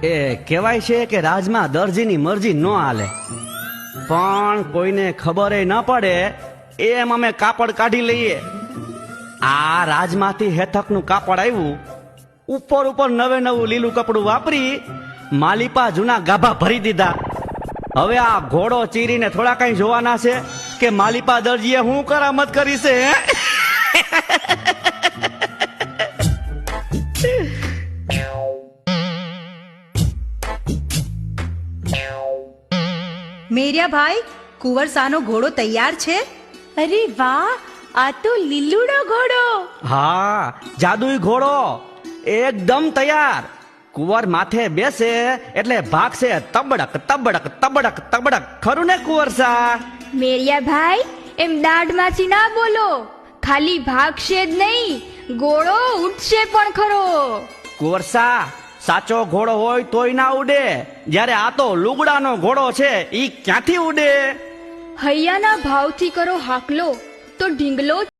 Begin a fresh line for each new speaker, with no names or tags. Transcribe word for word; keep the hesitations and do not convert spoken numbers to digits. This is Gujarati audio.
એ કહેવાય છે કે રાજમાં દરજીની મરજી ન હાલે, પણ કોઈને ખબર ન પડે એમ અમે કાપડ કાઢી લઈએ. આ રાજમાંથી હેથકનું કાપડ આવ્યું, ઉપર ઉપર નવે નવું લીલું કપડું વાપરી માલિપા જૂના ગાભા ભરી દીધા. હવે આ ઘોડો ચીરીને થોડા કઈ જોવાના છે કે માલિપા દરજીએ હું કરામત કરી છે.
મેરિયા ભાઈ, કુંવરસાનો ઘોડો તૈયાર છે?
અરે વાહ, આ તો લીલુડો ઘોડો.
હા, જાદુઈ ઘોડો એકદમ તૈયાર. કુંવર માથે બેસે એટલે ભાગશે તબડક તબડક તબડક તબડક. ખરું ને કુંવરસા?
મેરિયા ભાઈ, એમ દાઢમાંથી ના બોલો. ખાલી ભાગશે જ નહીં, ઘોડો ઉડશે પણ ખરો.
કુંવરસા, સાચો ઘોડો હોય તોય ના ઉડે, જ્યારે આ તો લુગડાનો ઘોડો છે, ઈ ક્યાંથી ઉડે?
હૈયાના ભાવથી કરો હાકલો તો ઢીંગલો